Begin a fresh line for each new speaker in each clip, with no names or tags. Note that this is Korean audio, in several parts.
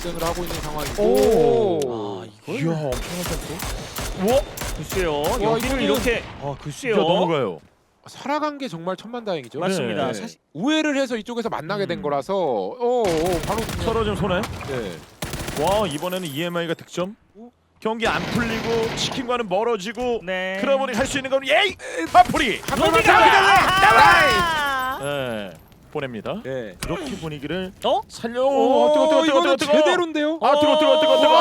경쟁을 하고 있는 상황이고.
오.
이걸
이야, 엄청난 점프.
글쎄요.
와,
여기를
이거는-
이렇게
글쎄요. 넘어가요.
살아간 게 정말 천만다행이죠.
맞습니다.
네.
사실
우회를 해서 이쪽에서 만나게 된 거라서 바로 그냥-
서로 좀 손해.
네.
와, 이번에는 EMI가 득점. 경기 안 풀리고 치킨과는 멀어지고
네.
그러다 보니 할 수 있는 건 예이 파프리.
로디가
네, 보냅니다.
네.
그렇게 분위기를
어?
살려. 뜨거.
이거는 제대로인데요.
뜨거.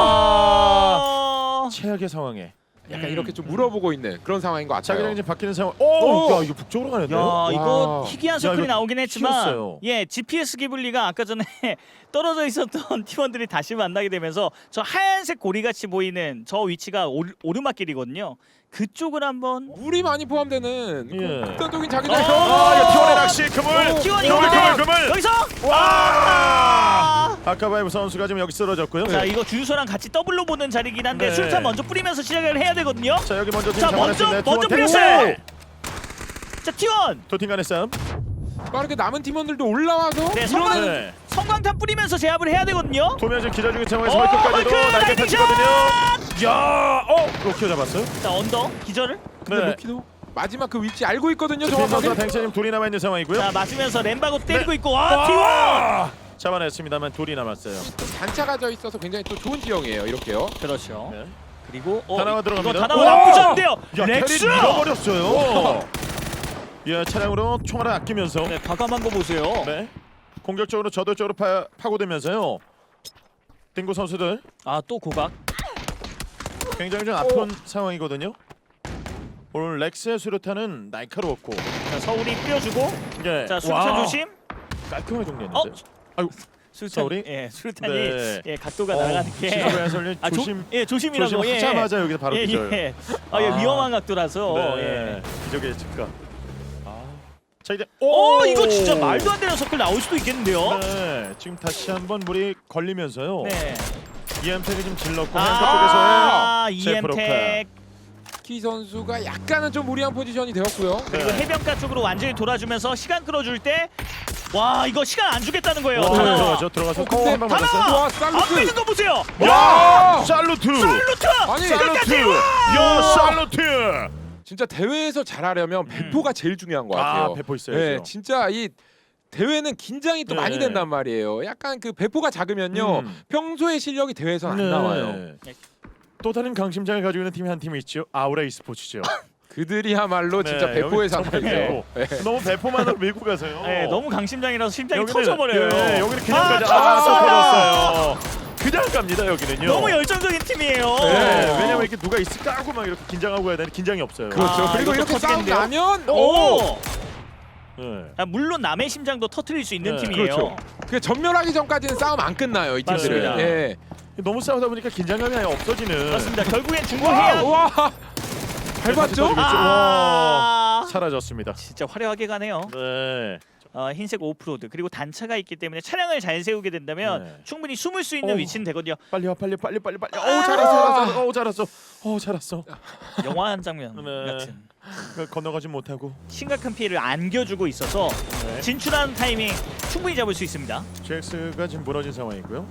최악의 상황에.
약간 이렇게 좀 물어보고 있는 그런 상황인 것 같아요.
자기장이 지금 바뀌는 상황.
오!
야, 이거 북쪽으로 가는데요?
야, 이거
와.
희귀한
야,
서클이
이거
나오긴 했지만
튀었어요.
예, GPS 기블리가 아까 전에 떨어져 있었던 팀원들이 다시 만나게 되면서 저 하얀색 고리같이 보이는 저 위치가 오르막길이거든요. 그쪽을 한번
물이 많이 포함되는
예.
극단적인 자기장.
이거 티원의 낚시 그물.
T1이
그물.
오는데 여기서
와! 아카바이브 선수가 지금 여기 쓰러졌고요.
자, 이거 주유소랑 같이 더블로 보는 자리긴 한데
네.
술탄 먼저 뿌리면서 시작을 해야 되거든요.
자, 여기 먼저
자, 먼저
T1
뿌렸어요. 자, T1
도팀 간의 싸움.
빠르게 남은 팀원들도 올라와서
네,
이러는
네.
성광탄 뿌리면서 제압을 해야 되거든요.
도면 지금 기자 중인 상황에서
헐크
헐크까지도 날개
라이딩
펼치거든요. 야, 로키오 잡았어요.
자, 언더 기절을.
근데
네.
루키도 마지막 그 위치 알고 있거든요.
빈 선수와
정확하게.
댕채님 둘이 남아 있는 상황이고요.
자, 맞으면서 램바고 때리고
네.
있고 와, T1.
잡아냈습니다만 둘이 남았어요.
단차가 져 있어서 굉장히 또 좋은 지형이에요. 이렇게요.
그렇죠.
네.
그리고
다나와 들어갑니다.
이거 다나와
우와!
나쁘지 않은데요.
야,
렉스.
캐리 잃어버렸어요. 예, 차량으로 총알을 아끼면서
네, 과감한 거 보세요.
네. 공격적으로 저돌적으로 파고들면서요. 딩고 선수들
아, 또 고각.
굉장히 좀 아픈 상황이거든요. 오늘 렉스의 수류탄은 날카로웠고
자, 서울이 뿌려주고.
예.
자, 수류탄
와,
조심.
깔끔하게 정리했는데. 아이고,
수류탄.
서울이?
예, 수류탄이
네.
예, 각도가 날아가는 게.
지나고 해설님
아,
조심.
예, 조심이라고.
조심하자마자 여기서 바로
예,
기절.
예. 아, 예, 위험한 각도라서.
네.
예.
기적의 즉각. 자, 이제
이거 진짜 말도 안 되는 서클 나올 수도 있겠는데요.
네, 지금 다시 한번 물이 걸리면서요.
네.
EM택이 좀 질렀고
아,
햄버 쪽에서의
EM택.
키 선수가 약간은 좀 무리한 포지션이 되었고요.
그리고
네.
해변가 쪽으로 완전히 돌아주면서 시간 끌어줄 때, 와, 이거 시간 안 주겠다는 거예요.
와,
다나와.
들어가서
근데
한방
다나와!
맞았어요.
와,
안
살루트.
빼는 거 보세요.
야, 살루트.
살루트.
아니,
살루트. 야, 살루트.
진짜 대회에서 잘하려면 배포가 제일 중요한 것 같아요.
배포 있어야죠.
네, 진짜 이 대회는 긴장이 또
네.
많이 된단 말이에요. 약간 그 배포가 작으면요, 평소의 실력이 대회에서 안 나와요.
네. 또 다른 강심장을 가지고 있는 팀이 한 팀이 있죠. 아우라 e스포츠죠.
그들이야말로
네,
진짜 배포의
여기 정말
산물이에요.
배포. 너무 배포만으로 밀고 가서요.
네, 너무 강심장이라서 심장이
여기는-
터져버려요.
예, 여기는 그냥 가자. 또
터졌어요.
터졌어요. 그냥 갑니다 여기는요.
너무 열정적인 팀이에요.
네, 왜냐면 이렇게 누가 있을까 하고 막 이렇게 긴장하고 가야 되는데 긴장이 없어요.
그렇죠. 그리고
이것도
이렇게 싸움
터지겠는데요?
나면
오.
네.
아, 물론 남의 심장도 터트릴 수 있는
네,
팀이에요.
그렇죠.
그 전멸하기 전까지는 싸움 안 끝나요. 이 팀들은.
맞습니다.
예.
너무 싸우다 보니까 긴장감이 아예 없어지는.
맞습니다. 결국엔 중국해야.
와, 밟았죠?
아,
사라졌습니다.
진짜 화려하게 가네요.
네.
흰색 오프로드 그리고 단차가 있기 때문에 차량을 잘 세우게 된다면
네.
충분히 숨을 수 있는
오.
위치는 되거든요.
빨리 와, 빨리. 잘했어. 잘했어.
영화 한 장면
네.
같은
건너가지 못하고.
심각한 피해를 안겨주고 있어서
네.
진출하는 타이밍 충분히 잡을 수 있습니다.
GX가 지금 무너진 상황이고요.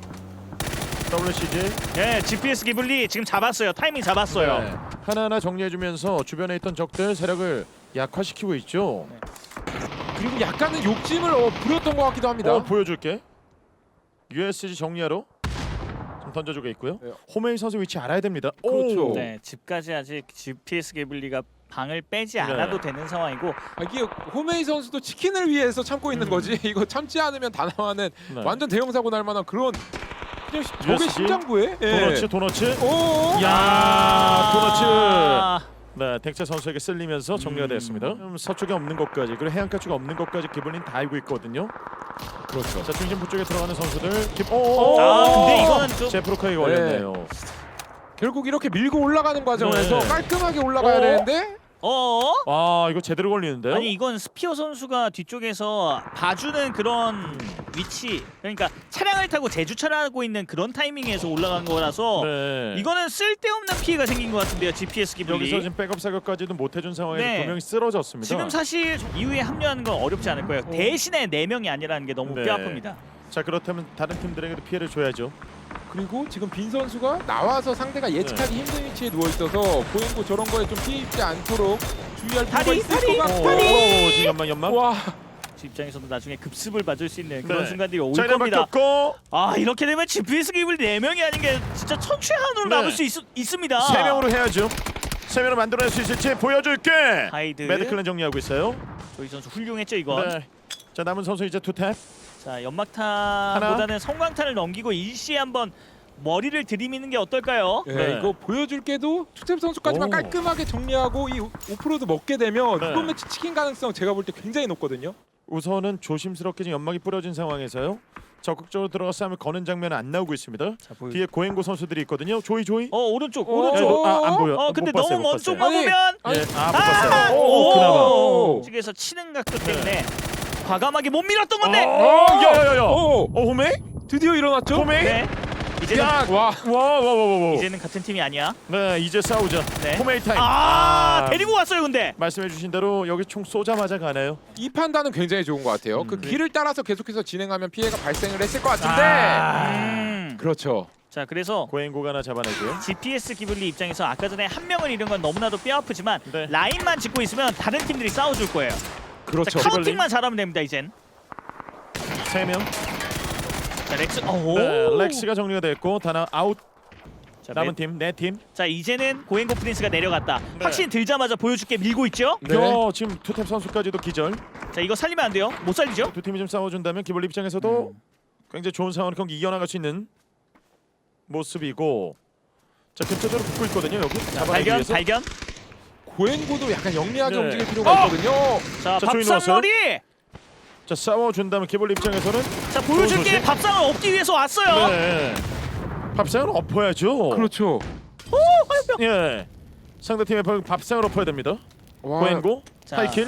WCG
네, GPS 기블리 지금 잡았어요. 타이밍 잡았어요.
네. 하나하나 정리해주면서 주변에 있던 적들 세력을 약화시키고 있죠.
그리고 약간은 욕심을 부렸던 것 같기도 합니다.
보여줄게. USG 정리하러 좀 던져주고 있고요.
네.
호메이 선수 위치 알아야 됩니다.
그렇죠.
오!
네, 집까지 아직 GPS 기블리가 방을 빼지 않아도
네.
되는 상황이고
아, 이게 호메이 선수도 치킨을 위해서 참고 있는 거지. 이거 참지 않으면 다나와는
네.
완전 대형 사고 날 만한 그런 그냥 적의
USG?
심장부에.
도너츠.
오.
야, 도너츠.
아,
네, 덱체 선수에게 쓸리면서 정리가 됐습니다. 서쪽에 없는 것까지 그리고 해안가 쪽에 없는 것까지 기블린 다 알고 있거든요.
그렇죠.
자, 중심부 쪽에 들어가는 선수들.
근데 이거는 좀
제프로카이가 걸렸네요.
결국 이렇게 밀고 올라가는 과정에서
네.
깔끔하게 올라가야 되는데
어?
이거 제대로 걸리는데요?
아니 이건 스피어 선수가 뒤쪽에서 봐주는 그런 위치, 그러니까 차량을 타고 재주차하고 있는 그런 타이밍에서 올라간 거라서
네.
이거는 쓸데없는 피해가 생긴 것 같은데요. GPS 기블리.
여기서 지금 백업 사격까지도 못 해준 상황에서
네.
두 명이 쓰러졌습니다.
지금 사실 이후에 합류하는 건 어렵지 않을 거예요. 대신에 4명이 아니라는 게 너무
네.
뼈아픕니다.
자 그렇다면 다른 팀들에게도 피해를 줘야죠.
그리고 지금 빈 선수가 나와서 상대가 예측하기 힘든 위치에 누워 있어서 고행고 저런 거에 좀 피해 입지 않도록 주의할 필요가
다리,
있을
다리.
것 같고.
오, 지금 연막.
와,
지 입장에서도 나중에 급습을 받을 수 있는 그런
네.
순간들이 올
자 이렇게
겁니다.
바뀌었고
아 이렇게 되면 GPS 기블 4명이 아닌 게 진짜 천추한으로
네.
남을 수 있습니다.
3명으로 해야죠. 3명으로 만들어낼 수 있을지 보여줄게.
하이드.
매드클랜 정리하고 있어요.
조이 선수 훌륭했죠 이건.
네. 자 남은 선수 이제 투탭.
자 연막탄보다는 성광탄을 넘기고 일시에 한번 머리를 들이미는 게 어떨까요?
예,
네.
이거 보여줄게도 투탭 선수까지만
오.
깔끔하게 정리하고 이 오프로드 먹게 되면
네.
이번 매치 치킨 가능성 제가 볼 때 굉장히 높거든요.
우선은 조심스럽게 지금 연막이 뿌려진 상황에서요. 적극적으로 들어가 싸움을 거는 장면은 안 나오고 있습니다.
자, 보여.
뒤에 고행고 선수들이 있거든요. 조이.
오른쪽
어,
오른쪽.
안 보여.
근데
못 봤어요,
너무
못
먼
봤어요.
쪽만
아니,
보면
아니,
예, 못 봤어요.
오!
그나마.
측에서 치는 각도 때문에 과감하게 못 밀었던 건데.
야야야야.
오,
호메?
드디어 일어났죠?
호메?
네. 이제는
와,
와와와와.
이제는 같은 팀이 아니야.
네 이제 싸우자.
네.
호메이 타임.
데리고 왔어요 근데.
말씀해주신 대로 여기 총 쏘자마자 가네요.
이 판단은 굉장히 좋은 것 같아요. 그 길을 따라서 계속해서 진행하면 피해가 발생을 했을 것 같은데. 그렇죠.
자 그래서
고행고가 하나 잡아내고요.
GPS 기블리 입장에서 아까 전에 한 명을 잃은 건 너무나도 뼈아프지만
네.
라인만 짚고 있으면 다른 팀들이 싸워줄 거예요.
그렇죠.
자, 카운팅만 잘하면 됩니다 이젠.
3명.
자 렉스. 오.
네, 렉스가 정리가 됐고 다나 아웃.
자,
남은 팀, 네 팀.
자 이제는 고행고 프린스가 내려갔다.
네.
확신 들자마자 보여줄게 밀고 있죠.
네.
지금 투탭 선수까지도 기절.
자 이거 살리면 안 돼요. 못 살리죠.
두 팀이 좀 싸워준다면 기블리 입장에서도 굉장히 좋은 상황을 경기 이겨나갈 수 있는 모습이고. 자 근처적으로 붙고 있거든요 여기. 잡아내기
발견
위해서.
발견.
고행고도 약간 영리하게
네.
움직일 필요가 있거든요.
자
자, 조이
밥상머리.
자 싸워준다면 기블리 입장에서는
자 보여줄게
소식.
밥상을 얻기 위해서 왔어요.
네. 밥상을 엎어야죠.
그렇죠.
예. 상대 팀의 밥상을 엎어야 됩니다.
와,
고행고
자.
하이킬.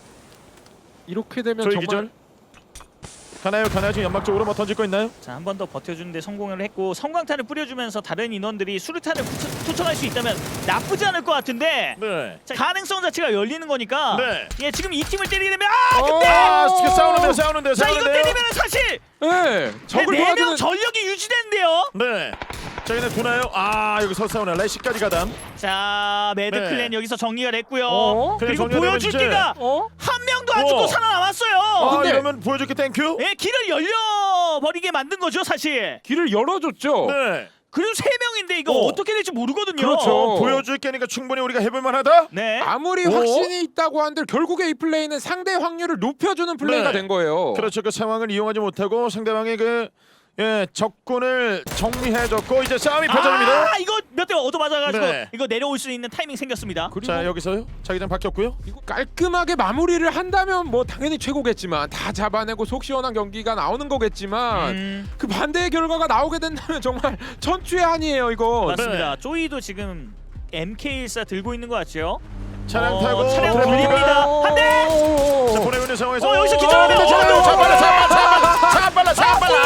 이렇게 되면
조이
정말
기절. 가나요 지금 연막 쪽으로 뭐 던질 거 있나요?
자 한 번 더 버텨주는데 성공을 했고 성광탄을 뿌려주면서 다른 인원들이 수류탄을 투척할 수 있다면 나쁘지 않을 것 같은데.
네.
자, 가능성 자체가 열리는 거니까.
네.
예 지금 이 팀을 때리게 되면
지금 싸우는데요.
자 이거 때리면 사실
네, 적을
4명
도와주는
전력이 유지되는데요.
네. 자 얘네 두나요? 여기서 싸우네. 레시까지 가담.
자 매드클랜
네.
여기서 정리가 됐고요.
어?
그리고
그래, 정리가
보여줄
되면
게가
한
명도 안 죽고 살아남았어요.
근데-
이러면 보여줄게 땡큐.
예 길을 열려버리게 만든 거죠 사실.
길을 열어줬죠.
네.
그리고 3명인데 이거 어떻게 될지 모르거든요.
그렇죠.
보여줄 게니까 충분히 우리가 해볼 만하다.
네.
아무리
오?
확신이 있다고 한들 결국에 이 플레이는 상대 확률을 높여주는 플레이가
네.
된 거예요.
그렇죠. 그 상황을 이용하지 못하고 상대방의 적군을 정리해줬고 이제 싸움이 펼쳐집니다.
이거 몇 대 얻어맞아가지고
네.
이거 내려올 수 있는 타이밍 생겼습니다.
그리고
자 여기서요. 자기장 바뀌었고요.
이거 깔끔하게 마무리를 한다면 뭐 당연히 최고겠지만 다 잡아내고 속 시원한 경기가 나오는 거겠지만 그 반대의 결과가 나오게 된다면 정말 천추의 한이에요 이거.
맞습니다. 쪼이도 지금 MK14 들고 있는 것 같죠?
차량 타고
차량
트래픽
돌립니다. 한 대!
자 보내고 있는 상황에서
여기서 기절하면
차 빨라.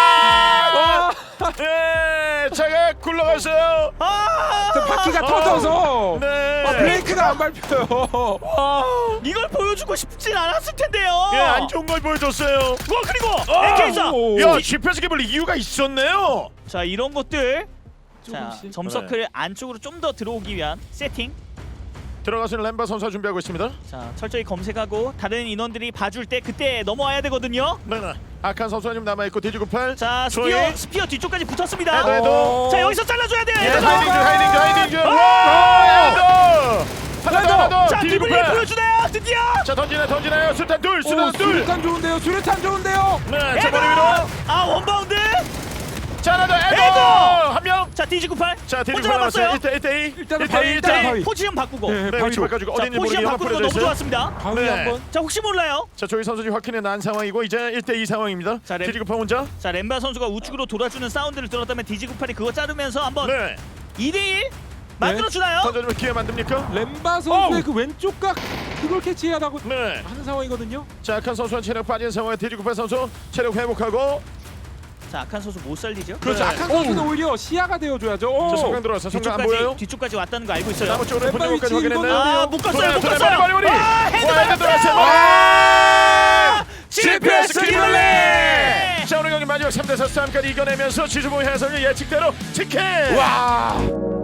보여줄게!
예, 차가 굴러갔어요.
바퀴가 터져서
네.
브레이크가 안 밟혀요.
이걸 보여주고 싶진 않았을 텐데요.
예, 안 좋은 걸 보여줬어요.
그리고 MK14!
야, GPS 개발 이유가 있었네요.
자 이런 것들 자
조금씩.
점서클 안쪽으로 좀 더 들어오기 위한 세팅.
들어가서는 램바 선수가 준비하고 있습니다.
자 철저히 검색하고 다른 인원들이 봐줄 때 그때 넘어와야 되거든요.
네. 아칸 선수가 지금 남아 있고 디지구팔.
자
조이.
스피어 뒤쪽까지 붙었습니다.
해도.
자 여기서 잘라줘야 돼요.
예,
얘들아.
하이딩. 와! 하나 더.
자 기블리
디지구팔.
보여주나요 드디어.
자 던지나요. 수탄 둘.
수류탄 좋은데요. 수류탄 좋은데요.
네, 자 머리 위로.
원바운드.
자 하나 더.
에도!
한 명.
자 디지98.
자 디지구팔 남았어요. 1대2.
일단은 바위, 일단은 바위.
포지션 바꾸고.
네,
네,
바위
위치
쪽.
바꿔주고
자
어딘지
포지션
모르게
바꾸는 거
뿌려져
너무
있어요.
좋았습니다.
바위
네.
한번.
자 혹시 몰라요.
자 조이 선수 지금 확인해 난 상황이고 이제 1대2 상황입니다.
자, 램-
디지구팔 혼자.
자 렘바 선수가 우측으로 돌아주는 사운드를 들었다면 디지98이 그거 자르면서 한번
네.
2대1 만들어주나요?
던져주면 기회 만듭니까?
렘바 선수의
어우.
그 왼쪽 각 그걸 캐치하다고
네.
하는 상황이거든요.
자 아칸 선수는 체력 빠진 상황에 디지구팔 선수 체력 회복하고.
자 악한 선수 못 살리죠.
그렇죠.
네.
악한 선수는 오히려 시야가 되어줘야죠.
자 성강 들어왔어. 성강 안 보여요?
뒤쪽까지 왔다는 거 알고 있어요.
나무 쪽으로
왼발
분위기까지
위치
확인했네.
이거는-
못 갔어요. 못
돌아요,
갔어요.
머리.
헤드
헤드 들어왔어요.
맞았어요.
GPS 기블리!
기블리!
자 오늘 경기 마지막 3대4 싸움까지 이겨내면서 지주봉 해설의 예측대로 치킨!
와.